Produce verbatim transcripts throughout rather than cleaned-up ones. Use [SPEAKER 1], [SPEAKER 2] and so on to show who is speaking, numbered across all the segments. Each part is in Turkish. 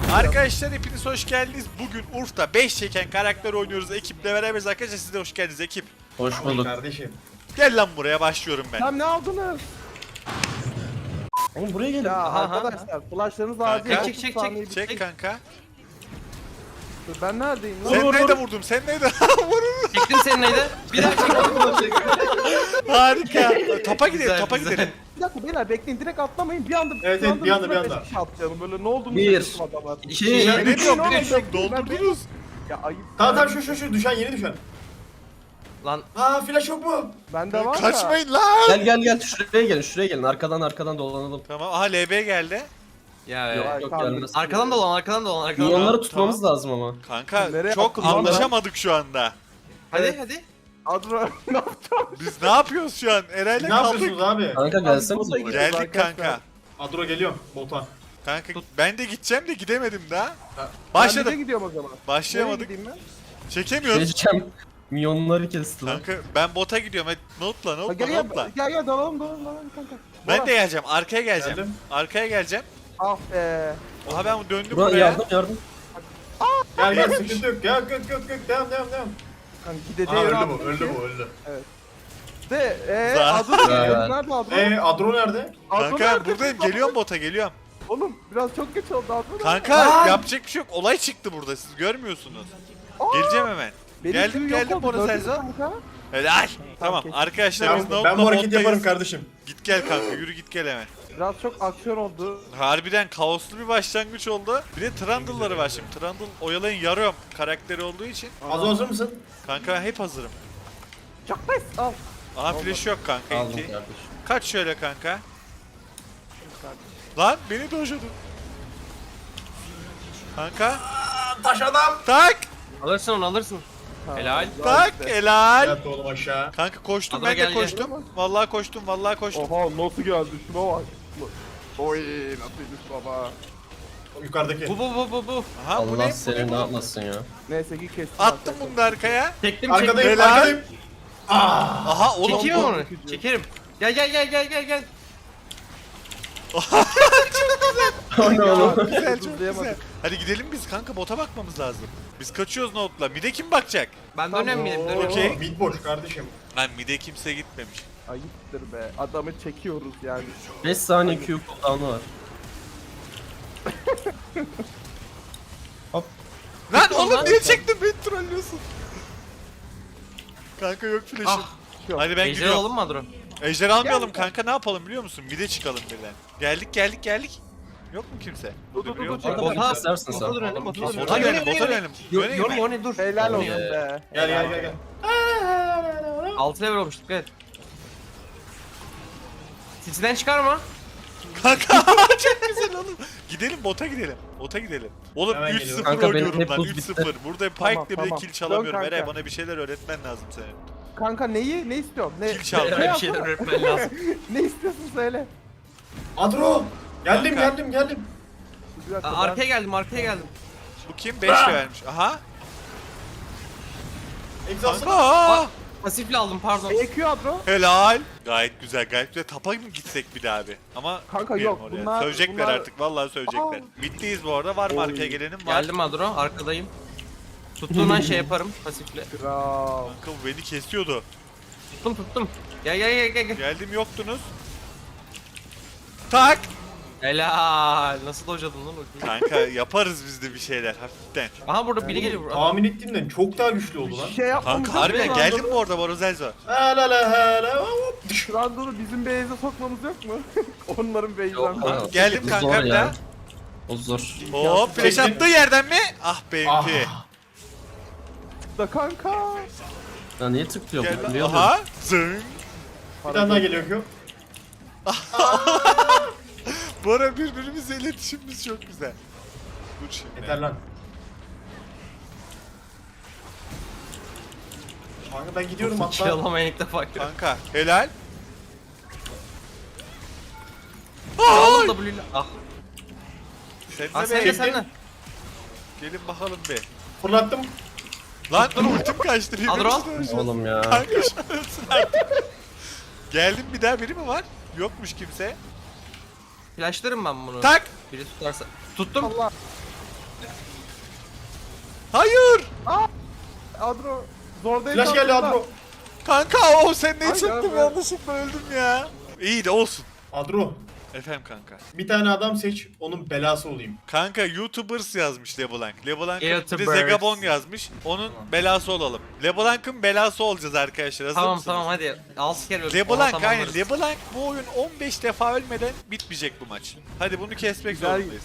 [SPEAKER 1] Arkadaşlar hepiniz hoş geldiniz. Bugün Urf'ta beş çeken karakter oynuyoruz. Ekiple beraberiz arkadaşlar. Siz de hoş geldiniz ekip.
[SPEAKER 2] Hoş bulduk.
[SPEAKER 3] Kardeşim.
[SPEAKER 1] Gel lan buraya, başlıyorum ben.
[SPEAKER 4] Tam ne aldınız?
[SPEAKER 2] Oğlum buraya gelin.
[SPEAKER 4] Ya
[SPEAKER 2] Aha,
[SPEAKER 4] arkadaşlar flashlarınız
[SPEAKER 1] Kanka.
[SPEAKER 4] acil.
[SPEAKER 1] Çek,
[SPEAKER 4] otuz
[SPEAKER 2] çek, çek,
[SPEAKER 4] saniye bir-
[SPEAKER 1] Çek kanka.
[SPEAKER 4] Ben neredeyim lan?
[SPEAKER 1] Sen
[SPEAKER 2] vur,
[SPEAKER 1] neyde
[SPEAKER 2] vur.
[SPEAKER 1] vurdum? Sen neyde? Vurun.
[SPEAKER 2] Çektim senin neydi? Bir daha çektim.
[SPEAKER 1] Harika. Topa gidelim,
[SPEAKER 2] Güzel,
[SPEAKER 1] topa
[SPEAKER 2] güzel.
[SPEAKER 1] gidelim.
[SPEAKER 4] Bir dakika beyler bekleyin, direkt atlamayın, bir anda
[SPEAKER 3] Evet, evet, bir anda, bir
[SPEAKER 4] üstüne
[SPEAKER 3] anda.
[SPEAKER 4] beş kişi atlayalım, böyle ne olduğunu
[SPEAKER 2] Bir.
[SPEAKER 4] şaşırtma adamlar.
[SPEAKER 2] İki.
[SPEAKER 1] Ya
[SPEAKER 2] Ya,
[SPEAKER 1] ne diyorum?
[SPEAKER 4] oğlum,
[SPEAKER 1] Bir de şunu
[SPEAKER 4] bekleyin, ben
[SPEAKER 1] doldurdunuz.
[SPEAKER 4] Ya ayıp.
[SPEAKER 3] Tamam tamam şu şu şu düşen yeni düşen.
[SPEAKER 2] Lan
[SPEAKER 3] Aa flash yok mu?
[SPEAKER 4] Bende var da.
[SPEAKER 1] Kaçmayın lan.
[SPEAKER 2] gel gel gel şuraya gelin şuraya gelin arkadan arkadan dolanalım.
[SPEAKER 1] Tamam, aha L B geldi.
[SPEAKER 2] Ya
[SPEAKER 4] Yok,
[SPEAKER 2] yok, yok
[SPEAKER 4] tamam.
[SPEAKER 2] gelmez.
[SPEAKER 5] Arkadan dolan, arkadan dolan, arkadan dolan.
[SPEAKER 2] Milyonları tutmamız lazım ama.
[SPEAKER 1] Kanka
[SPEAKER 4] Nereye
[SPEAKER 1] çok
[SPEAKER 4] attın lan ben?
[SPEAKER 1] anlaşamadık şu anda.
[SPEAKER 5] Hadi hadi.
[SPEAKER 4] Adro ne yapacağım?
[SPEAKER 1] Biz ne yapıyoruz şu an? Eray'la
[SPEAKER 3] Ne yapıyorsunuz
[SPEAKER 1] kaldık.
[SPEAKER 3] abi?
[SPEAKER 2] Kanka gelsenize
[SPEAKER 4] Abi,
[SPEAKER 2] buraya.
[SPEAKER 1] Geldik
[SPEAKER 4] Arkadaşlar.
[SPEAKER 1] kanka.
[SPEAKER 3] Adro geliyorum. Bota.
[SPEAKER 1] Kanka ben de gideceğim de gidemedim daha.
[SPEAKER 3] Ha.
[SPEAKER 4] Ben
[SPEAKER 1] Başladım.
[SPEAKER 4] de gidiyorum o zaman.
[SPEAKER 1] Başlayamadık.
[SPEAKER 4] Nereye gideyim ben?
[SPEAKER 1] Çekemiyoruz.
[SPEAKER 2] Geçeceğim. Milyonları kesti lan.
[SPEAKER 1] Kanka ben bota gidiyorum. Hadi notla,
[SPEAKER 4] Ha,
[SPEAKER 1] notla,
[SPEAKER 4] Gel gel
[SPEAKER 1] notla.
[SPEAKER 4] gel gel dalalım dalalım dalalım kanka.
[SPEAKER 1] Ben
[SPEAKER 4] Bora.
[SPEAKER 1] de geleceğim. Arkaya geleceğim.
[SPEAKER 3] Geldim.
[SPEAKER 1] Arkaya geleceğim.
[SPEAKER 4] Ah be.
[SPEAKER 1] Oha ben döndüm
[SPEAKER 2] Burak
[SPEAKER 1] buraya.
[SPEAKER 2] yardım yardım.
[SPEAKER 3] Gel gel sıkıntı yok. Gel gök gök gök devam devam devam.
[SPEAKER 4] Kanka
[SPEAKER 3] Aa
[SPEAKER 4] gideceği
[SPEAKER 3] öldü
[SPEAKER 4] yere
[SPEAKER 3] bu
[SPEAKER 4] attım
[SPEAKER 3] öldü
[SPEAKER 4] ki.
[SPEAKER 3] bu öldü.
[SPEAKER 4] De eee
[SPEAKER 1] Za-
[SPEAKER 4] Adro
[SPEAKER 2] Evet.
[SPEAKER 4] nerede Adro?
[SPEAKER 3] Eee Adro nerede?
[SPEAKER 4] Adro
[SPEAKER 1] Kanka
[SPEAKER 4] nerede?
[SPEAKER 1] buradayım. Geliyorum bota, geliyorum.
[SPEAKER 4] Oğlum biraz çok geç oldu Adro.
[SPEAKER 1] Kanka
[SPEAKER 3] Aa!
[SPEAKER 1] yapacak bir şey yok. Olay çıktı burada. Siz görmüyorsunuz.
[SPEAKER 4] Aa!
[SPEAKER 1] Geleceğim hemen.
[SPEAKER 4] Benim
[SPEAKER 1] Geldim,
[SPEAKER 4] tüy yok
[SPEAKER 1] geldim
[SPEAKER 4] oldu,
[SPEAKER 1] Bora
[SPEAKER 4] gördün mü
[SPEAKER 1] Selzo.
[SPEAKER 4] kanka?
[SPEAKER 1] Helal. Tamam
[SPEAKER 4] kesin.
[SPEAKER 1] arkadaşlar biz
[SPEAKER 3] Ya,
[SPEAKER 1] Note'la
[SPEAKER 3] ben bu hareketi
[SPEAKER 1] bottayız.
[SPEAKER 3] yaparım kardeşim.
[SPEAKER 1] Git gel kanka, yürü git gel hemen.
[SPEAKER 4] Biraz çok aksiyon oldu.
[SPEAKER 1] Harbiden kaoslu bir başlangıç oldu. Bir de Trundle'ları var şimdi. Trundle oyalayın yarıyorum karakteri olduğu için.
[SPEAKER 3] Adro hazır mısın?
[SPEAKER 1] Kanka ben hep hazırım.
[SPEAKER 4] Çok nice. Al.
[SPEAKER 1] Aha flash yok kanka.
[SPEAKER 2] Aldım
[SPEAKER 1] Enti.
[SPEAKER 2] kardeşim.
[SPEAKER 1] Kaç şöyle kanka. Lan beni dojladın. Kanka.
[SPEAKER 3] Taş adam.
[SPEAKER 1] Tak.
[SPEAKER 5] Alırsın onu, alırsın. Helal.
[SPEAKER 1] Tak. Helal.
[SPEAKER 3] Yat oğlum aşağı.
[SPEAKER 1] Kanka koştum,
[SPEAKER 5] Adana
[SPEAKER 1] ben de
[SPEAKER 5] gel, gel.
[SPEAKER 1] koştum. Vallahi koştum, vallahi koştum.
[SPEAKER 4] Oha nasıl geldi şuna bak. Oy nasılmış baba.
[SPEAKER 3] Yukarıdaki.
[SPEAKER 5] Bu bu bu bu bu.
[SPEAKER 1] Aha bu
[SPEAKER 2] Allah
[SPEAKER 1] ne? Bu ne
[SPEAKER 2] seni ne
[SPEAKER 1] bu?
[SPEAKER 2] yapmasın ya.
[SPEAKER 4] Neyse ki kestim.
[SPEAKER 1] Attım
[SPEAKER 4] arkadaşlar.
[SPEAKER 1] bunu da arkaya.
[SPEAKER 5] Çektim çektim.
[SPEAKER 3] Arkadayım
[SPEAKER 1] Helal.
[SPEAKER 3] arkadayım.
[SPEAKER 1] Aha oğlum.
[SPEAKER 5] Çekeyim mi
[SPEAKER 1] bu-
[SPEAKER 5] onu? Çekerim. Gel gel gel gel gel gel.
[SPEAKER 2] O ne oğlum?
[SPEAKER 1] Güzel, çok güzel.
[SPEAKER 4] Hızlayamadık.
[SPEAKER 1] Hadi gidelim biz kanka, bota bakmamız lazım. Biz kaçıyoruz Note'la. Mide kim bakacak?
[SPEAKER 5] Ben
[SPEAKER 4] Tamam.
[SPEAKER 5] dönem miyim? Dönem.
[SPEAKER 1] Okey.
[SPEAKER 3] Mid boş kardeşim.
[SPEAKER 1] Lan mide kimse gitmemiş.
[SPEAKER 4] Ayıptır be. Adamı çekiyoruz yani.
[SPEAKER 2] beş saniye Q cooldown'u var.
[SPEAKER 1] Lan oğlum
[SPEAKER 5] lan.
[SPEAKER 1] niye çektin, beni trollüyorsun. Kanka yok flash'ım.
[SPEAKER 5] Ah.
[SPEAKER 1] Hadi ben
[SPEAKER 5] Ejder
[SPEAKER 1] gidiyorum.
[SPEAKER 5] alalım mı Adro?
[SPEAKER 1] Ejder almayalım
[SPEAKER 4] Gel.
[SPEAKER 1] kanka, ne yapalım biliyor musun? Mide çıkalım birden. Geldik geldik geldik. Yok mu kimse?
[SPEAKER 4] Dur, dur, dur,
[SPEAKER 1] Yok.
[SPEAKER 4] dur.
[SPEAKER 2] Arada
[SPEAKER 5] Bota,
[SPEAKER 2] kesersin sen.
[SPEAKER 5] bota dönelim, bota dönelim.
[SPEAKER 1] Bota
[SPEAKER 5] Ay,
[SPEAKER 1] dönelim,
[SPEAKER 5] yöne,
[SPEAKER 1] bota
[SPEAKER 5] yöne.
[SPEAKER 1] dönelim.
[SPEAKER 5] Yo-
[SPEAKER 1] Döneyim
[SPEAKER 5] Yorma
[SPEAKER 1] mi?
[SPEAKER 5] yorma dur.
[SPEAKER 4] Helal olsun
[SPEAKER 5] Yorma ya.
[SPEAKER 4] be.
[SPEAKER 3] Gel gel gel gel.
[SPEAKER 5] Altı level olmuş, dikkat et. Titiden çıkarma.
[SPEAKER 1] Kanka çok güzel oğlum. Gidelim bota gidelim. Bota gidelim. Oğlum
[SPEAKER 3] Hemen
[SPEAKER 1] üç
[SPEAKER 3] geliyorum.
[SPEAKER 1] sıfır
[SPEAKER 2] Kanka benim
[SPEAKER 1] oynuyorum
[SPEAKER 2] hep
[SPEAKER 1] lan,
[SPEAKER 2] buz
[SPEAKER 1] üç
[SPEAKER 2] bitti.
[SPEAKER 1] sıfır. Burada
[SPEAKER 4] Tamam,
[SPEAKER 1] Pike'le bile
[SPEAKER 4] tamam.
[SPEAKER 1] kill çalamıyorum.
[SPEAKER 4] Dön kanka.
[SPEAKER 1] Eray bana bir şeyler öğretmen lazım senin.
[SPEAKER 4] Kanka neyi? Ne istiyorsun? Ne,
[SPEAKER 1] Kill çaldım.
[SPEAKER 5] Eray bir şeyler öğretmen lazım.
[SPEAKER 4] ne istiyorsun söyle.
[SPEAKER 3] Adro. Geldim
[SPEAKER 1] Kanka.
[SPEAKER 3] geldim geldim.
[SPEAKER 4] Bir dakika,
[SPEAKER 5] Aa,
[SPEAKER 4] ben-
[SPEAKER 5] Arkaya geldim, arkaya geldim.
[SPEAKER 1] Bu kim? beş vermiş. Aha.
[SPEAKER 3] Egzasın.
[SPEAKER 1] Kanka. aa!
[SPEAKER 5] Pasifle aldım, pardon.
[SPEAKER 4] E Q Adro.
[SPEAKER 1] Helal. Gayet güzel, gayet güzel. Tapa mı gitsek bir daha abi? Ama
[SPEAKER 4] Kanka
[SPEAKER 1] gitmeyelim
[SPEAKER 4] yok,
[SPEAKER 1] oraya.
[SPEAKER 4] bunlar-
[SPEAKER 1] Sövecekler
[SPEAKER 4] bunlar-
[SPEAKER 1] artık, vallahi sövecekler. Middeyiz bu arada. Var mı
[SPEAKER 4] Oy.
[SPEAKER 1] arkaya gelenim? Var.
[SPEAKER 5] Geldim Adro, arkadayım. Tuttuğun an şey yaparım, pasifle.
[SPEAKER 4] Kral.
[SPEAKER 1] Kanka bu beni kesiyordu.
[SPEAKER 5] Tuttum tuttum. Gel gel gel gel. gel.
[SPEAKER 1] Geldim, yoktunuz. Tak.
[SPEAKER 5] Helal. Nasıl dojladın lan o?
[SPEAKER 1] Kanka yaparız biz de bir şeyler hafiften.
[SPEAKER 5] Aha burada biri geliyor.
[SPEAKER 3] Tahmin ettiğimden çok daha güçlü oldu lan.
[SPEAKER 4] Bir şey yapmamız
[SPEAKER 1] Kanka
[SPEAKER 4] yok
[SPEAKER 1] harbiden
[SPEAKER 4] mu?
[SPEAKER 1] geldim bu arada Borozelzo.
[SPEAKER 3] Hele hele hop.
[SPEAKER 4] Trundle'ı bizim base'e sokmamız yok mu? Onların base'den.
[SPEAKER 2] Yok,
[SPEAKER 4] falan.
[SPEAKER 2] yok.
[SPEAKER 1] Geldim
[SPEAKER 2] O
[SPEAKER 1] kanka
[SPEAKER 2] zor
[SPEAKER 1] bir
[SPEAKER 2] ya.
[SPEAKER 1] daha.
[SPEAKER 2] O zor.
[SPEAKER 1] Hop flash
[SPEAKER 3] Çektim.
[SPEAKER 1] attığı yerden mi? Ah benimki.
[SPEAKER 3] Ah.
[SPEAKER 4] Da kanka.
[SPEAKER 2] Ya niye tıklıyor bu?
[SPEAKER 1] Gel
[SPEAKER 2] Biliyor
[SPEAKER 1] aha. Zing.
[SPEAKER 3] Bir tane daha geliyor ki.
[SPEAKER 1] Bu ara birbirimizle iletişimimiz çok güzel. Dur şimdi.
[SPEAKER 3] Yeter lan. Kanka ben gidiyorum hatta.
[SPEAKER 5] Çalamayın ilk defa görüyorum.
[SPEAKER 1] Kanka helal.
[SPEAKER 5] Aldım W ile. Ah.
[SPEAKER 1] Sen
[SPEAKER 5] Ah
[SPEAKER 1] de
[SPEAKER 5] sen de
[SPEAKER 1] be.
[SPEAKER 5] sen de.
[SPEAKER 1] Gelin bakalım bir.
[SPEAKER 3] Fırlattım.
[SPEAKER 1] Lan dur ultim kaçtı.
[SPEAKER 5] Adro.
[SPEAKER 1] birbirimizi dövüşüyoruz.
[SPEAKER 2] Oğlum ya.
[SPEAKER 1] Kanka şunu ölsün artık. Geldim, bir daha biri mi var? Yokmuş kimse.
[SPEAKER 5] Flashlarım ben bunu.
[SPEAKER 1] Tak.
[SPEAKER 5] Biri tutarsa. Tuttum.
[SPEAKER 4] Allah.
[SPEAKER 1] Hayır.
[SPEAKER 4] Adro. Zordayım.
[SPEAKER 3] Flash geldi Adro.
[SPEAKER 1] Kanka o sen ne
[SPEAKER 4] Ay,
[SPEAKER 1] çıktın
[SPEAKER 4] ya,
[SPEAKER 1] yanlışlıkla öldüm ya. İyi de olsun.
[SPEAKER 3] Adro.
[SPEAKER 1] Efendim kanka.
[SPEAKER 3] Bir tane adam seç, onun belası olayım.
[SPEAKER 1] Kanka YouTubers yazmış LeBlanc. LeBlanc'ın bir de
[SPEAKER 5] YouTubers.
[SPEAKER 1] Zegabon yazmış. Onun belası olalım. LeBlanc'ın belası olacağız arkadaşlar. Hazır
[SPEAKER 5] Tamam
[SPEAKER 1] mısınız?
[SPEAKER 5] tamam hadi. Altı kere öldük.
[SPEAKER 1] LeBlanc
[SPEAKER 5] Ona
[SPEAKER 1] aynen.
[SPEAKER 5] tamamlarız.
[SPEAKER 1] LeBlanc bu oyun on beş defa ölmeden bitmeyecek bu maç. Hadi bunu kesmek
[SPEAKER 4] Güzel.
[SPEAKER 1] zorundayız.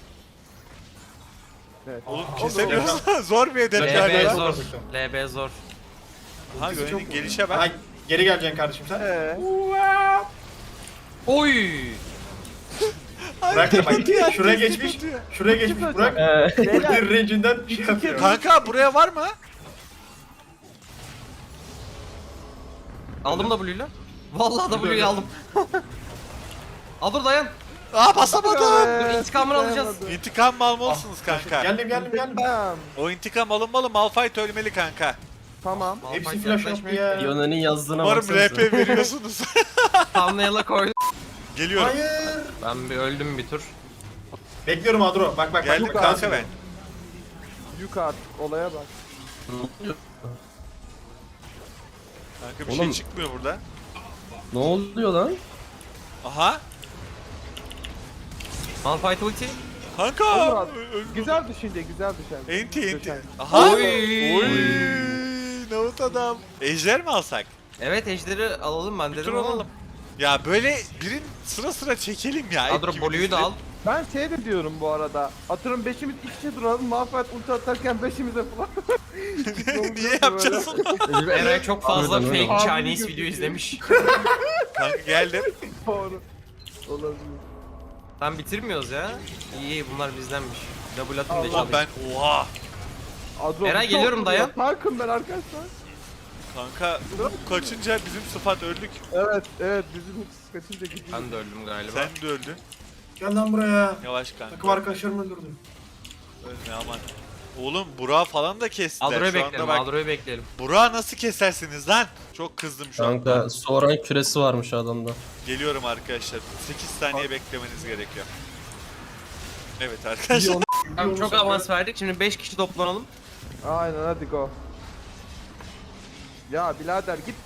[SPEAKER 4] Evet.
[SPEAKER 1] Oğlum
[SPEAKER 3] Aa,
[SPEAKER 1] kesemiyorsun. Zor bir hedef
[SPEAKER 3] L B
[SPEAKER 1] yani.
[SPEAKER 5] L B
[SPEAKER 1] lan.
[SPEAKER 5] zor.
[SPEAKER 3] Zor.
[SPEAKER 5] L B zor.
[SPEAKER 1] Ha
[SPEAKER 3] Ultisi
[SPEAKER 1] Gönen'in
[SPEAKER 3] çok
[SPEAKER 1] gelişe
[SPEAKER 3] Ha,
[SPEAKER 1] bak.
[SPEAKER 3] geri geleceksin kardeşim sen.
[SPEAKER 4] Ee,
[SPEAKER 5] Oy!
[SPEAKER 3] Bırak da bak.
[SPEAKER 1] Kötü
[SPEAKER 3] Şuraya
[SPEAKER 1] ya,
[SPEAKER 3] geçmiş.
[SPEAKER 1] kötü ya.
[SPEAKER 3] Şuraya geçmiş. Bırak.
[SPEAKER 2] Ee,
[SPEAKER 3] Ulti range'inden şey yapıyor.
[SPEAKER 1] Kanka buraya var mı?
[SPEAKER 5] Aldım W'yle. Vallahi W'yu aldım. Al dur dayan.
[SPEAKER 1] Aa basamadım.
[SPEAKER 5] Dur intikamını alacağız.
[SPEAKER 1] İntikam mı almalısınız kanka?
[SPEAKER 3] Geldim geldim geldim.
[SPEAKER 4] Tamam.
[SPEAKER 1] O intikam alınmalı. Malphite ölmeli kanka.
[SPEAKER 4] Tamam.
[SPEAKER 3] Hepsi
[SPEAKER 5] Malphite
[SPEAKER 3] flash
[SPEAKER 5] yaklaşmıyor.
[SPEAKER 3] yaptı ya.
[SPEAKER 2] Yone'nin yazdığına
[SPEAKER 1] Umarım R
[SPEAKER 2] baksanıza.
[SPEAKER 1] P veriyorsunuz.
[SPEAKER 5] Thumbnail'a koydum.
[SPEAKER 1] Geliyorum.
[SPEAKER 3] Hayır.
[SPEAKER 5] Ben bir öldüm bir tur.
[SPEAKER 3] Bekliyorum Adro. Bak bak
[SPEAKER 1] Geldim
[SPEAKER 3] bak.
[SPEAKER 1] kanka ben.
[SPEAKER 4] Yük at. Olaya bak.
[SPEAKER 1] Kanka bir
[SPEAKER 2] Oğlum.
[SPEAKER 1] şey çıkmıyor burada.
[SPEAKER 2] Ne oluyor lan?
[SPEAKER 1] Aha.
[SPEAKER 5] Malphite ulti.
[SPEAKER 1] Kanka.
[SPEAKER 4] Olur abi.
[SPEAKER 1] Ö- ö-
[SPEAKER 4] Güzel düşünce, güzel düşen.
[SPEAKER 1] Enti enti.
[SPEAKER 4] Düşen.
[SPEAKER 1] Aha.
[SPEAKER 5] Oy.
[SPEAKER 1] Oy. Navut adam. Ejder mi alsak?
[SPEAKER 5] Evet ejderi alalım ben
[SPEAKER 1] Bir
[SPEAKER 5] dedim
[SPEAKER 1] tur
[SPEAKER 5] ama.
[SPEAKER 1] alalım. Ya böyle birin sıra sıra çekelim ya.
[SPEAKER 5] Adro
[SPEAKER 1] ikimizin.
[SPEAKER 5] Blue'yu da al.
[SPEAKER 4] Ben şey de diyorum bu arada. Atıyorum beşimiz iç içe duralım. Malphite ulti atarken beşimize falan.
[SPEAKER 1] Niye yapacağız onu?
[SPEAKER 5] Eray çok fazla
[SPEAKER 2] Harbiden öyle.
[SPEAKER 5] fake
[SPEAKER 4] Abi
[SPEAKER 5] Chinese
[SPEAKER 4] gözüküyor.
[SPEAKER 5] video izlemiş.
[SPEAKER 1] Kanka geldim.
[SPEAKER 4] Doğru. Olabilir.
[SPEAKER 5] Tam bitirmiyoruz ya. İyi iyi bunlar bizdenmiş. Double atın da
[SPEAKER 1] Ulan
[SPEAKER 5] çalayım.
[SPEAKER 1] ben oha.
[SPEAKER 4] Adro,
[SPEAKER 5] Eray,
[SPEAKER 4] bir
[SPEAKER 5] geliyorum,
[SPEAKER 4] çok
[SPEAKER 5] dayan.
[SPEAKER 4] vuruyor. Tankım ben arkadaşlar.
[SPEAKER 1] Kanka bu kaçınca bizim sıfat öldük.
[SPEAKER 4] Evet, evet bizim hiç kaçınca gidiyor.
[SPEAKER 5] Ben de öldüm galiba.
[SPEAKER 1] Sen de öldün.
[SPEAKER 3] Gel lan buraya.
[SPEAKER 1] Yavaş kanka.
[SPEAKER 3] Takım arkadaşlarımı öldürdüm.
[SPEAKER 1] Ölme aman. Oğlum Burak'ı falan da kestiler.
[SPEAKER 5] Adro'yu
[SPEAKER 1] Şu anda
[SPEAKER 5] bekleyelim,
[SPEAKER 1] bak.
[SPEAKER 5] Adro'yu bekleyelim.
[SPEAKER 1] Burak'ı nasıl kesersiniz lan? Çok kızdım şu anda.
[SPEAKER 2] Kanka Soran küresi varmış adamda.
[SPEAKER 1] Geliyorum arkadaşlar. sekiz saniye beklemeniz gerekiyor. Evet arkadaşlar.
[SPEAKER 5] Tamam, çok avans verdik. Şimdi beş kişi toplanalım.
[SPEAKER 4] Aynen hadi go. Ya birader git.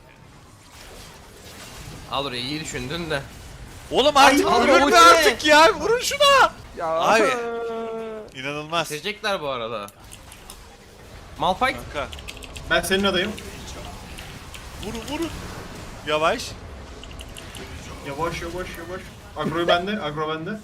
[SPEAKER 5] Adro iyi düşündün de.
[SPEAKER 1] Oğlum artık
[SPEAKER 5] Ay,
[SPEAKER 1] vurun
[SPEAKER 5] Adro,
[SPEAKER 1] be
[SPEAKER 5] o ne?
[SPEAKER 1] artık ya. Vurun şuna.
[SPEAKER 4] Ya
[SPEAKER 1] Abi.
[SPEAKER 4] eee,
[SPEAKER 1] İnanılmaz.
[SPEAKER 5] Bitirecekler bu arada. Malphite.
[SPEAKER 1] Kanka.
[SPEAKER 3] Ben senin adayım.
[SPEAKER 1] Vurun vurun. Yavaş.
[SPEAKER 3] Yavaş yavaş yavaş. Agro'yu bende. Agro bende.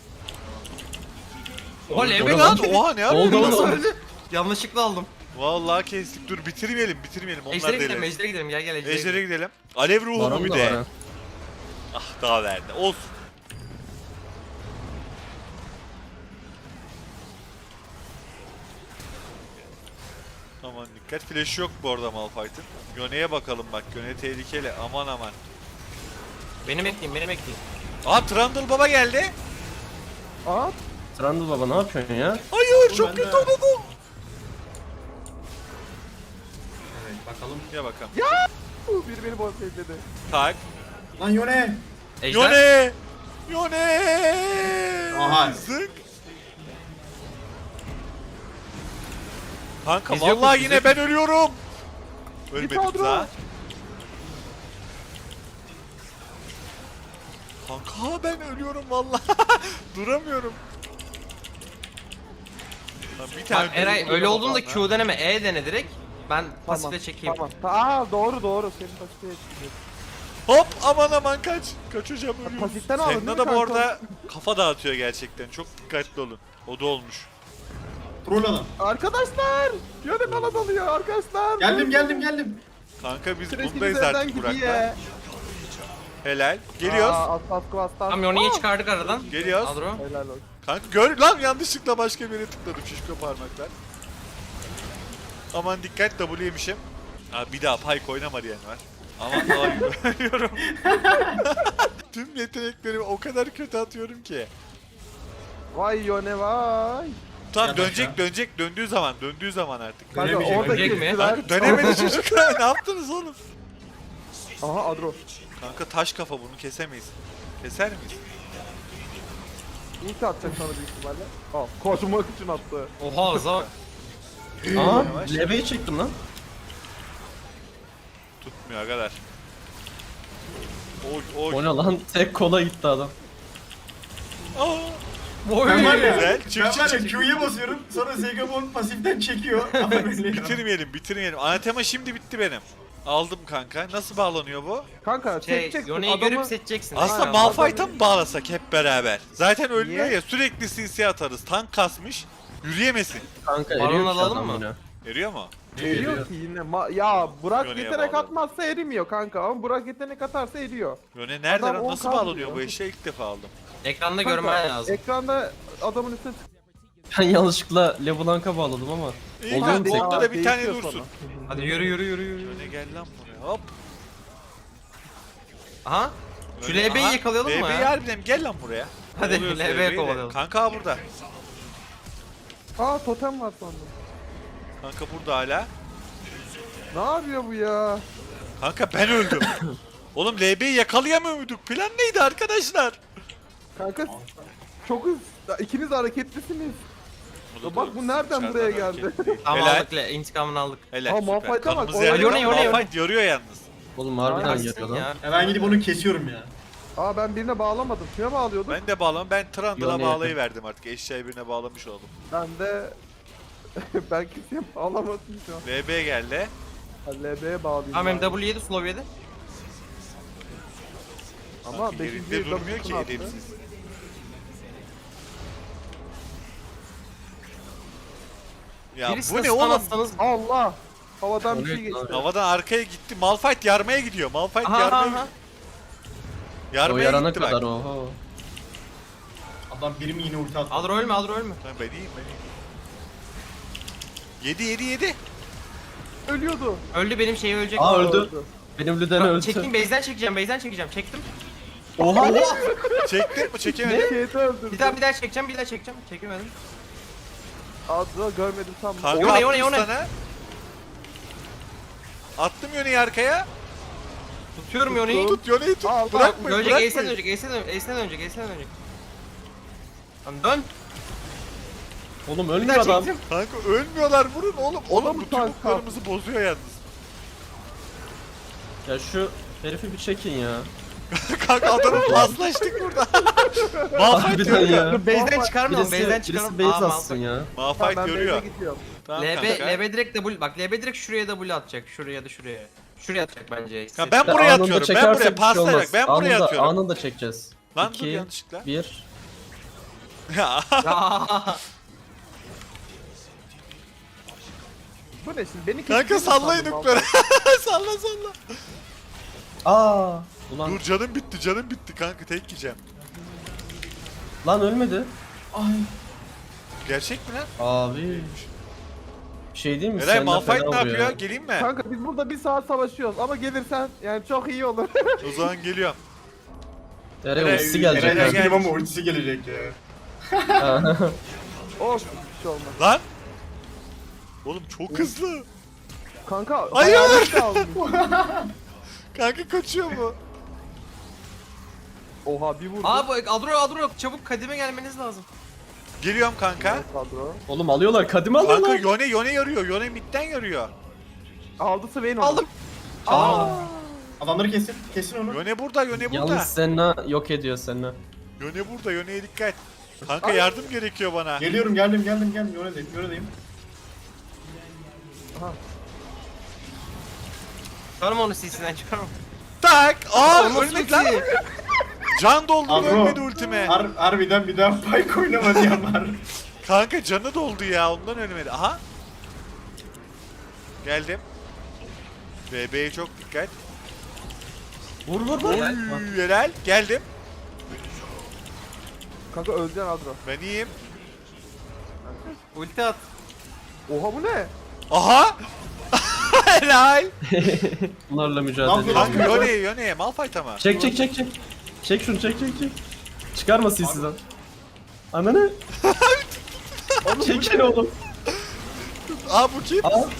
[SPEAKER 5] Oha
[SPEAKER 1] Ne
[SPEAKER 5] level
[SPEAKER 1] lan?
[SPEAKER 5] lan.
[SPEAKER 1] Oha ne
[SPEAKER 2] Oldu
[SPEAKER 1] yapıyorsun?
[SPEAKER 2] oğlum.
[SPEAKER 5] Öldü. Yanlışlıkla aldım.
[SPEAKER 1] Vallahi kestik. Dur bitirmeyelim bitirmeyelim. Onlar
[SPEAKER 5] Ejder'e gidelim,
[SPEAKER 1] deli.
[SPEAKER 5] Ejder'e gidelim. Gel gel Ejder'e
[SPEAKER 1] Ejder'e
[SPEAKER 5] gidelim.
[SPEAKER 1] gidelim. Alev ruhu
[SPEAKER 2] Baron
[SPEAKER 1] mu bir
[SPEAKER 2] da var
[SPEAKER 1] de?
[SPEAKER 2] ha.
[SPEAKER 1] Ah daha verdi. Olsun. Aman dikkat. Flash yok bu arada Malphite'ın. Yone'ye bakalım bak. Yone tehlikeli. Aman aman.
[SPEAKER 5] Beni bekleyin, beni bekleyin.
[SPEAKER 1] Aa Trundle Baba geldi.
[SPEAKER 4] Aa,
[SPEAKER 2] Trundle baba ne yapıyorsun ya?
[SPEAKER 1] Hayır çok
[SPEAKER 3] ben
[SPEAKER 1] kötü
[SPEAKER 3] de-
[SPEAKER 1] oynadım.
[SPEAKER 5] Evet bakalım.
[SPEAKER 1] Gel bakalım.
[SPEAKER 4] bu biri beni boz dedi.
[SPEAKER 1] Tak.
[SPEAKER 3] Lan Yone.
[SPEAKER 5] Ejder.
[SPEAKER 1] Yone! Yone!
[SPEAKER 3] Aha.
[SPEAKER 1] Zık. Kanka
[SPEAKER 5] Biz yokuz,
[SPEAKER 1] vallahi
[SPEAKER 5] biz
[SPEAKER 1] yine
[SPEAKER 5] yokuz.
[SPEAKER 1] ben ölüyorum. Ölmedim
[SPEAKER 4] kadro.
[SPEAKER 1] daha. Kanka ben ölüyorum vallahi. Duramıyorum. Lan bir tane
[SPEAKER 5] Bak Eray
[SPEAKER 1] dönüp
[SPEAKER 5] öyle
[SPEAKER 1] vuruyorum
[SPEAKER 5] olduğunda
[SPEAKER 1] bana.
[SPEAKER 5] Q deneme, E dene direkt. Ben
[SPEAKER 4] Tamam.
[SPEAKER 5] pasifle çekeyim.
[SPEAKER 4] Tamam. Aa doğru doğru. Senin pasifte çıkıyor.
[SPEAKER 1] Hop aman aman kaç. Kaçacağım ölüyorum.
[SPEAKER 4] Pasiften aldın
[SPEAKER 1] Senin
[SPEAKER 4] değil mi
[SPEAKER 1] adam
[SPEAKER 4] kanka?
[SPEAKER 1] orada kafa dağıtıyor gerçekten. Çok dikkatli olun. O da olmuş.
[SPEAKER 3] Troll adam.
[SPEAKER 4] Arkadaşlar! Yöne bana dalıyor arkadaşlar.
[SPEAKER 3] Geldim geldim geldim.
[SPEAKER 1] Kanka biz
[SPEAKER 4] Sürekli
[SPEAKER 1] bundayız
[SPEAKER 4] bizden
[SPEAKER 1] artık
[SPEAKER 4] gidiyor.
[SPEAKER 1] Burak'la. Helal. Geliyoruz.
[SPEAKER 4] Aa, aslas kuvastan.
[SPEAKER 5] Tamam Yone'yi çıkardık aradan.
[SPEAKER 1] Geliyoruz.
[SPEAKER 5] Adro.
[SPEAKER 4] Helal olsun.
[SPEAKER 1] Kanka gör lan yanlışlıkla başka bir yere tıkladım şişko parmaklar. Aman dikkat W yemişim. Abi bir daha Pyke oynama diyen var. Aman daha ölüyorum. Tüm yeteneklerimi o kadar kötü atıyorum ki.
[SPEAKER 4] Vay Yone vay.
[SPEAKER 1] Tamam
[SPEAKER 3] Yat
[SPEAKER 1] dönecek
[SPEAKER 3] aşağı.
[SPEAKER 1] dönecek döndüğü zaman döndüğü zaman artık.
[SPEAKER 4] Kanka
[SPEAKER 3] Dönemeyecek.
[SPEAKER 4] orada
[SPEAKER 5] Dönecek mi?
[SPEAKER 4] kestiler.
[SPEAKER 1] Kanka dönemedi çocuklar ne yaptınız oğlum?
[SPEAKER 4] Aha Adro.
[SPEAKER 1] Kanka taş kafa bunu kesemeyiz. Keser miyiz?
[SPEAKER 4] ulti atacak sana büyük ihtimalle. Al koşmak için attı.
[SPEAKER 5] Oha hıza bak.
[SPEAKER 2] Aa,
[SPEAKER 1] Yavaş.
[SPEAKER 2] leveyi çektim lan.
[SPEAKER 1] Tutmuyor agalar. Oy oy.
[SPEAKER 2] O ne lan? Tek kola gitti adam.
[SPEAKER 1] Aa,
[SPEAKER 3] Ben var ya,
[SPEAKER 1] Güzel. Çık,
[SPEAKER 3] ben
[SPEAKER 1] çık,
[SPEAKER 3] var ya
[SPEAKER 1] çık.
[SPEAKER 3] Q'ya basıyorum sonra Zegabon pasiften çekiyor.
[SPEAKER 1] bitirmeyelim bitirmeyelim. Anatema şimdi bitti benim. Aldım kanka. Nasıl bağlanıyor bu?
[SPEAKER 4] Kanka
[SPEAKER 5] Şey,
[SPEAKER 4] çekeceksin
[SPEAKER 5] Yone'yi
[SPEAKER 4] adamı.
[SPEAKER 5] görüp seçeceksin.
[SPEAKER 1] Aslında
[SPEAKER 5] Aynen.
[SPEAKER 1] Malphite'a mı bağlasak hep beraber? Zaten ölmüyor
[SPEAKER 4] Niye?
[SPEAKER 1] ya, sürekli C C atarız. Tank kasmış. Yürüyemesin.
[SPEAKER 2] Kanka
[SPEAKER 5] Baron
[SPEAKER 2] eriyor ki
[SPEAKER 5] alalım
[SPEAKER 2] adam
[SPEAKER 5] mı?
[SPEAKER 2] yine.
[SPEAKER 1] Eriyor mu?
[SPEAKER 4] Eriyor ki yine. Ma- ya Burak
[SPEAKER 1] Yone'ye
[SPEAKER 4] yetenek
[SPEAKER 1] bağlı.
[SPEAKER 4] atmazsa erimiyor kanka ama Burak yetenek atarsa eriyor.
[SPEAKER 1] Yone nerede
[SPEAKER 4] Adam
[SPEAKER 1] lan?
[SPEAKER 4] on
[SPEAKER 1] Nasıl
[SPEAKER 4] kaldı
[SPEAKER 1] bağlanıyor
[SPEAKER 4] ya.
[SPEAKER 1] bu eşeği? İlk defa aldım.
[SPEAKER 5] Ekranda
[SPEAKER 4] Kanka,
[SPEAKER 5] görmen lazım.
[SPEAKER 4] Ekranda adamın üstüne tık-
[SPEAKER 2] Ben yanlışlıkla LeBlanc'a bağladım ama.
[SPEAKER 1] İyi
[SPEAKER 2] Oluyor
[SPEAKER 1] kanka,
[SPEAKER 2] mu tek?
[SPEAKER 1] onda da bir tane
[SPEAKER 4] Değişiyor
[SPEAKER 1] dursun.
[SPEAKER 4] sonra.
[SPEAKER 5] Hadi yürü yürü yürü yürü.
[SPEAKER 1] Yone gel lan buraya. Hop.
[SPEAKER 5] Aha. Şu
[SPEAKER 1] Yone-
[SPEAKER 5] L B'yi
[SPEAKER 1] Aha,
[SPEAKER 5] yakalayalım mı
[SPEAKER 1] L B'yi
[SPEAKER 5] ya?
[SPEAKER 1] harbiden gel lan buraya.
[SPEAKER 5] Hadi,
[SPEAKER 1] Kovalıyoruz
[SPEAKER 5] L B'ye
[SPEAKER 1] L B'yi de.
[SPEAKER 5] kovalayalım.
[SPEAKER 1] Kanka burada.
[SPEAKER 4] Aa totem var sandım.
[SPEAKER 1] Kanka burada hala.
[SPEAKER 4] Ne yapıyor bu ya?
[SPEAKER 1] Kanka ben öldüm. Oğlum L B'yi yakalayamıyor muyduk? Plan neydi arkadaşlar?
[SPEAKER 4] Kanka çok hız. İkiniz de hareketlisiniz.
[SPEAKER 1] da
[SPEAKER 4] bak bu nereden
[SPEAKER 1] dışarıdan
[SPEAKER 4] buraya geldi?
[SPEAKER 1] hareketliydi.
[SPEAKER 5] Tamam
[SPEAKER 1] Helal.
[SPEAKER 5] aldık le, intikamını aldık.
[SPEAKER 1] Helal.
[SPEAKER 4] Aa,
[SPEAKER 1] süper.
[SPEAKER 4] Malphite'a bak,
[SPEAKER 1] Kanımızı
[SPEAKER 4] o-
[SPEAKER 1] yarıyor.
[SPEAKER 5] Yone, Yone, Yone.
[SPEAKER 1] Malphite yarıyor yalnız.
[SPEAKER 2] Oğlum harbiden
[SPEAKER 4] Aynen.
[SPEAKER 2] yarıyor lan.
[SPEAKER 5] Ya.
[SPEAKER 3] Ben gidip onu kesiyorum ya.
[SPEAKER 4] Aa ben birine bağlamadım. Kime bağlıyordum? Ben,
[SPEAKER 1] Ben de bağlamam. Ben Trundle'a
[SPEAKER 2] Yone'ye.
[SPEAKER 1] bağlayıverdim artık. Eşyayı birine bağlamış oldum.
[SPEAKER 4] de ben kimseye bağlamadım şu an.
[SPEAKER 1] L B geldi.
[SPEAKER 4] Ha, L B'ye bağlayayım.
[SPEAKER 5] Tamam hem
[SPEAKER 4] bari.
[SPEAKER 5] W yedi slow yedi.
[SPEAKER 4] Ama
[SPEAKER 1] Kanka
[SPEAKER 4] beşinci
[SPEAKER 1] yerinde durmuyor ki
[SPEAKER 4] W'sunu attı.
[SPEAKER 1] edepsiz. Ya
[SPEAKER 5] Birisine
[SPEAKER 1] bu ne
[SPEAKER 5] stun
[SPEAKER 1] oğlum?
[SPEAKER 5] atsanız-
[SPEAKER 4] Allah! Havadan bir
[SPEAKER 2] O
[SPEAKER 4] şey
[SPEAKER 2] ne
[SPEAKER 4] geçti.
[SPEAKER 2] lan?
[SPEAKER 1] Havadan arkaya gitti. Malphite yarmaya gidiyor. Malphite
[SPEAKER 5] Aha
[SPEAKER 1] yarmaya
[SPEAKER 5] aha.
[SPEAKER 1] gidiyor.
[SPEAKER 2] O
[SPEAKER 1] Yarmaya
[SPEAKER 2] yarana
[SPEAKER 1] gitti
[SPEAKER 2] kadar
[SPEAKER 1] bak.
[SPEAKER 2] oho.
[SPEAKER 3] Adam birim yine ulti attı.
[SPEAKER 5] Alır ölme alır ölme.
[SPEAKER 1] Lan ben iyiyim ben iyiyim. Yedi yedi yedi.
[SPEAKER 4] Ölüyordu.
[SPEAKER 5] Öldü benim şey ölecek.
[SPEAKER 2] Aa öldü. Benim Lüden
[SPEAKER 5] Bak,
[SPEAKER 2] öldü.
[SPEAKER 5] çekeyim base'den çekeceğim base'den çekeceğim. Çektim.
[SPEAKER 2] Oha.
[SPEAKER 1] Çektin mi? Çekemedim.
[SPEAKER 4] Şeyde öldürdü.
[SPEAKER 5] Bir daha bir daha çekeceğim bir daha çekeceğim. Çekemedim.
[SPEAKER 4] Adro görmedim tam.
[SPEAKER 1] Kanka
[SPEAKER 5] Yone,
[SPEAKER 1] attım
[SPEAKER 5] Yone, Yone.
[SPEAKER 1] sana. Attım Yone'yi arkaya.
[SPEAKER 5] Tutuyorum Yone'yi.
[SPEAKER 1] Tut Yone'yi tut.
[SPEAKER 4] Al, al,
[SPEAKER 1] Bırakmayın
[SPEAKER 5] Ölecek Ace'den
[SPEAKER 1] bırakmayın.
[SPEAKER 5] dönecek Ace'den dönecek Ace'den dönecek Ace'den dönecek. Tamam dön.
[SPEAKER 2] Oğlum
[SPEAKER 5] Bir
[SPEAKER 2] ölmüyor
[SPEAKER 5] daha
[SPEAKER 2] adam.
[SPEAKER 5] çektim.
[SPEAKER 1] Kanka ölmüyorlar vurun oğlum.
[SPEAKER 4] O da
[SPEAKER 1] Oğlum
[SPEAKER 4] mı
[SPEAKER 1] bu
[SPEAKER 4] tank
[SPEAKER 1] çubuklarımızı bozuyor yalnız.
[SPEAKER 2] Ya şu herifi bir çekin ya.
[SPEAKER 1] Kanka adamı paslaştık burada. Malphite
[SPEAKER 2] Harbiden
[SPEAKER 1] görüyor.
[SPEAKER 2] ya.
[SPEAKER 5] Dur base'den
[SPEAKER 4] Birisi-
[SPEAKER 5] çıkarmayalım base'den
[SPEAKER 2] Birisi,
[SPEAKER 5] çıkaralım.
[SPEAKER 2] birisi base
[SPEAKER 5] Aa,
[SPEAKER 2] atsın ya.
[SPEAKER 4] Tamam,
[SPEAKER 1] Malphite
[SPEAKER 4] ben
[SPEAKER 1] görüyor.
[SPEAKER 4] base'e gidiyorum.
[SPEAKER 1] Tamam
[SPEAKER 5] L B,
[SPEAKER 1] kanka.
[SPEAKER 5] L B direkt W, bak L B direkt şuraya W atacak. Şuraya ya da şuraya. Şuraya atacak bence.
[SPEAKER 1] Ya ben buraya
[SPEAKER 2] Anında
[SPEAKER 1] atıyorum. Ben
[SPEAKER 2] çekersek
[SPEAKER 1] buraya
[SPEAKER 2] bir şey
[SPEAKER 1] paslayarak.
[SPEAKER 2] olmaz.
[SPEAKER 1] Ben buraya
[SPEAKER 2] Anında-
[SPEAKER 1] atıyorum.
[SPEAKER 2] Anında çekeceğiz.
[SPEAKER 1] Lan dur
[SPEAKER 2] İki,
[SPEAKER 1] yanlışlıkla.
[SPEAKER 2] bir.
[SPEAKER 1] Ya,
[SPEAKER 4] Bu ne şimdi? Beni
[SPEAKER 1] kanka
[SPEAKER 4] kesecek mi
[SPEAKER 1] sallayın
[SPEAKER 4] sandın
[SPEAKER 1] nukları. Salla salla.
[SPEAKER 2] Aa. Ulan
[SPEAKER 1] Dur canım bitti canım bitti kanka tek yiyeceğim.
[SPEAKER 2] lan ölmedi.
[SPEAKER 1] Gerçek mi lan?
[SPEAKER 2] Abi. Bir şey değil mi?
[SPEAKER 1] Eray
[SPEAKER 2] Senden
[SPEAKER 1] Malphite
[SPEAKER 2] fena
[SPEAKER 1] ne
[SPEAKER 2] vuruyor
[SPEAKER 1] yapıyor?
[SPEAKER 2] ya.
[SPEAKER 1] Geleyim mi?
[SPEAKER 4] Kanka biz burada bir saat savaşıyoruz ama gelirsen yani çok iyi olur.
[SPEAKER 1] O zaman geliyorum.
[SPEAKER 2] Eray
[SPEAKER 1] Eray-
[SPEAKER 2] ultisi gelecek.
[SPEAKER 1] Eray-
[SPEAKER 3] Eray
[SPEAKER 1] gel.
[SPEAKER 3] gel. Ama ultisi gelecek ya.
[SPEAKER 4] Olsun bir şey olmaz.
[SPEAKER 1] Lan. Oğlum çok hızlı.
[SPEAKER 4] Kanka
[SPEAKER 1] Hayır!
[SPEAKER 4] hayalet de almış.
[SPEAKER 1] Kanka kaçıyor bu.
[SPEAKER 4] Oha bir vurdu.
[SPEAKER 5] Aa bu Adro Adro çabuk kadime gelmeniz lazım.
[SPEAKER 1] Geliyorum kanka.
[SPEAKER 4] Kadro.
[SPEAKER 2] Oğlum alıyorlar, kadime
[SPEAKER 1] Kanka
[SPEAKER 2] alıyorlar.
[SPEAKER 1] Yone Yone yarıyor. Yone midden yarıyor.
[SPEAKER 4] Aldı Swain onu.
[SPEAKER 5] Aldım.
[SPEAKER 4] Aa.
[SPEAKER 3] Adamları kesin. Kesin onu.
[SPEAKER 1] Yone burada, Yone burada.
[SPEAKER 2] Yalnız Senna yok ediyor Senna.
[SPEAKER 1] Yone burada, Yone'ye dikkat. Kanka yardım gerekiyor bana.
[SPEAKER 3] Geliyorum geldim geldim geldim. Yone'deyim Yone'deyim.
[SPEAKER 5] Çıkarma onu C C'den çıkarma.
[SPEAKER 1] Tak! Aa
[SPEAKER 5] Nasıl
[SPEAKER 1] ölmedi lan.
[SPEAKER 5] ulti?
[SPEAKER 1] Can doldu
[SPEAKER 3] Agro.
[SPEAKER 1] ölmedi ultime.
[SPEAKER 3] Har harbiden bir daha Pyke oynama diyen var.
[SPEAKER 1] Kanka canı doldu ya ondan ölmedi. Aha. Geldim. B B'ye çok dikkat.
[SPEAKER 2] Vur vur vur.
[SPEAKER 1] Oy helal. Geldim.
[SPEAKER 4] Kanka öleceksin Adro.
[SPEAKER 1] Ben iyiyim.
[SPEAKER 5] Ulti at.
[SPEAKER 4] Oha bu ne?
[SPEAKER 1] Aha. Helal.
[SPEAKER 2] Bunlarla mücadele
[SPEAKER 3] Lan,
[SPEAKER 2] ediyor.
[SPEAKER 1] Kanka Yone'ye Yone'ye Malphite ama.
[SPEAKER 2] Çek çek çek çek. Çek şunu çek çek çek. Çıkarma silsiden. Ananı. Çekin oğlum.
[SPEAKER 1] Aa bu kim?
[SPEAKER 2] Aa.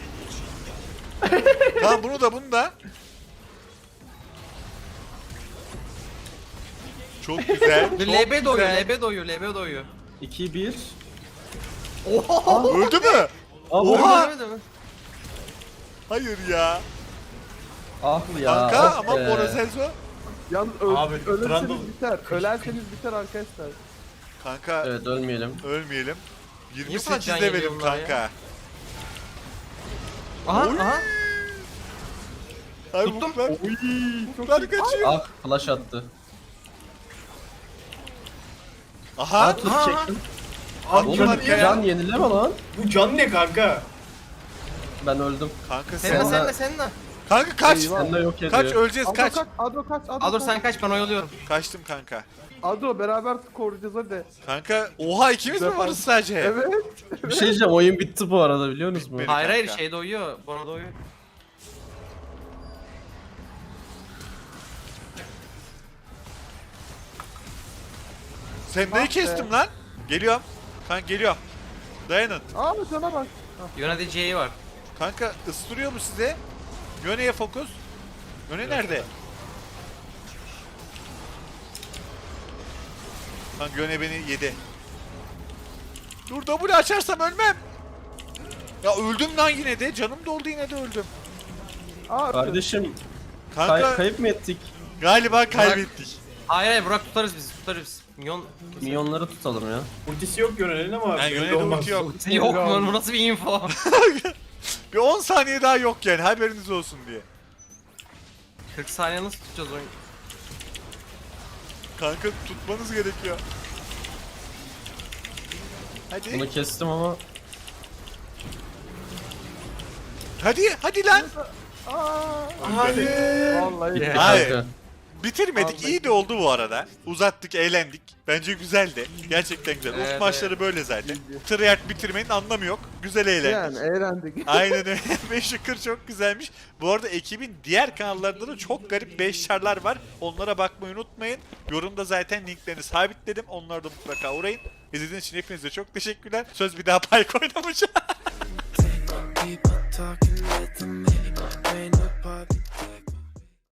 [SPEAKER 1] Tamam bunu da bunu da. Çok güzel.
[SPEAKER 5] Dur,
[SPEAKER 1] Çok
[SPEAKER 5] L B doyuyor,
[SPEAKER 1] güzel.
[SPEAKER 5] L B doyuyor, L B doyuyor.
[SPEAKER 2] iki bir.
[SPEAKER 1] Öldü mü?
[SPEAKER 2] Aa,
[SPEAKER 1] Oha!
[SPEAKER 5] Ölmedi mi?
[SPEAKER 1] Hayır ya.
[SPEAKER 2] Ah ya.
[SPEAKER 1] Kanka
[SPEAKER 2] of
[SPEAKER 1] ama
[SPEAKER 2] be.
[SPEAKER 1] Morazelzo.
[SPEAKER 4] Yalnız öl
[SPEAKER 3] Abi,
[SPEAKER 4] ölürseniz
[SPEAKER 3] Trundle-
[SPEAKER 4] biter. Ölerseniz biter arkadaşlar.
[SPEAKER 1] Kanka
[SPEAKER 2] Evet ölmeyelim.
[SPEAKER 1] ölmeyelim.
[SPEAKER 5] Niye
[SPEAKER 1] yirmi
[SPEAKER 5] bu kadar
[SPEAKER 1] sekiz
[SPEAKER 5] can
[SPEAKER 1] levelim
[SPEAKER 5] yemiyor bunlar ya?
[SPEAKER 1] kanka.
[SPEAKER 5] Aha,
[SPEAKER 1] Oy.
[SPEAKER 5] aha.
[SPEAKER 1] Ay
[SPEAKER 5] Tuttum.
[SPEAKER 1] Mutlar, Mutlar kaçıyor.
[SPEAKER 2] Ah flash attı.
[SPEAKER 1] Aha.
[SPEAKER 2] Aa tut
[SPEAKER 5] aha.
[SPEAKER 2] çektim.
[SPEAKER 3] Abi
[SPEAKER 1] Oğlum,
[SPEAKER 3] can,
[SPEAKER 2] Oğlum
[SPEAKER 1] ya.
[SPEAKER 2] can yenileme lan.
[SPEAKER 3] bu can ne kanka?
[SPEAKER 2] Ben öldüm.
[SPEAKER 1] Kanka
[SPEAKER 5] Sen de,
[SPEAKER 1] sen.
[SPEAKER 5] sen de, sen de.
[SPEAKER 1] Kanka kaç.
[SPEAKER 4] Eyvah.
[SPEAKER 2] Sen de yok ediyor.
[SPEAKER 1] Kaç öleceğiz
[SPEAKER 4] Adro
[SPEAKER 1] kaç.
[SPEAKER 4] kaç, Adro kaç, Adro
[SPEAKER 5] Aa dur
[SPEAKER 4] kaç.
[SPEAKER 5] sen kaç, ben oyalıyorum.
[SPEAKER 1] Kaçtım kanka.
[SPEAKER 4] Adro beraber koruyacağız hadi.
[SPEAKER 1] Kanka oha ikimiz mi
[SPEAKER 4] Defans.
[SPEAKER 1] varız sadece?
[SPEAKER 4] Evet.
[SPEAKER 2] Bir şey diyeceğim oyun bitti bu arada biliyor musunuz?
[SPEAKER 1] Bitmedi.
[SPEAKER 5] Hayır hayır,
[SPEAKER 1] kanka.
[SPEAKER 5] şey doyuyor, bana doyuyor.
[SPEAKER 1] Sen neyi kestim lan? Geliyorum. Kanka geliyorum. Dayanın.
[SPEAKER 4] Aa cana bak.
[SPEAKER 5] Yönetici C'yi var.
[SPEAKER 1] Kanka ıstırıyor mu size? Yöne'ye fokus. Yöne nerede? Kanka Yöne beni yedi. Dur W açarsam ölmem. Ya öldüm lan yine de. Canım doldu yine de öldüm.
[SPEAKER 4] Aa
[SPEAKER 2] Kardeşim
[SPEAKER 1] Kanka
[SPEAKER 2] kay- kayıp mı ettik?
[SPEAKER 1] galiba kaybettik.
[SPEAKER 5] Hayır hayır, Burak tutarız biz, tutarız biz. Minyon...
[SPEAKER 2] Milyonları tutalım ya.
[SPEAKER 3] Ultisi yok Yönel'in ama
[SPEAKER 1] Yani
[SPEAKER 3] belli
[SPEAKER 1] Yöne'de
[SPEAKER 3] olmaz.
[SPEAKER 1] ulti yok.
[SPEAKER 5] Yok mu? Bu nasıl bir info?
[SPEAKER 1] Bir on saniye daha yok yani haberiniz olsun diye.
[SPEAKER 5] kırk saniye nasıl tutacağız oyun?
[SPEAKER 1] Kanka tutmanız gerekiyor. Hadi.
[SPEAKER 2] Bunu kestim ama
[SPEAKER 1] Hadi hadi lan.
[SPEAKER 4] Aa.
[SPEAKER 1] Hadi.
[SPEAKER 4] Vallahi.
[SPEAKER 5] Yeah.
[SPEAKER 1] Hayır.
[SPEAKER 2] kanka.
[SPEAKER 1] Bitirmedik.
[SPEAKER 4] Vallahi.
[SPEAKER 1] İyi de oldu bu arada. Uzattık, eğlendik. Bence güzeldi. Gerçekten güzel.
[SPEAKER 5] Evet,
[SPEAKER 1] Ult maçları böyle zaten. Treyarch bitirmenin anlamı yok. Güzel eğlendik.
[SPEAKER 4] Yani eğlendik.
[SPEAKER 1] Aynen öyle. beş yukarı çok güzelmiş. Bu arada ekibin diğer kanallarında da çok garip beş çarlar var. Onlara bakmayı unutmayın. Yorumda zaten linklerini sabitledim. Onlara da mutlaka uğrayın. İzlediğiniz için hepinize çok teşekkürler. Söz bir daha Pyke oynamayacağım.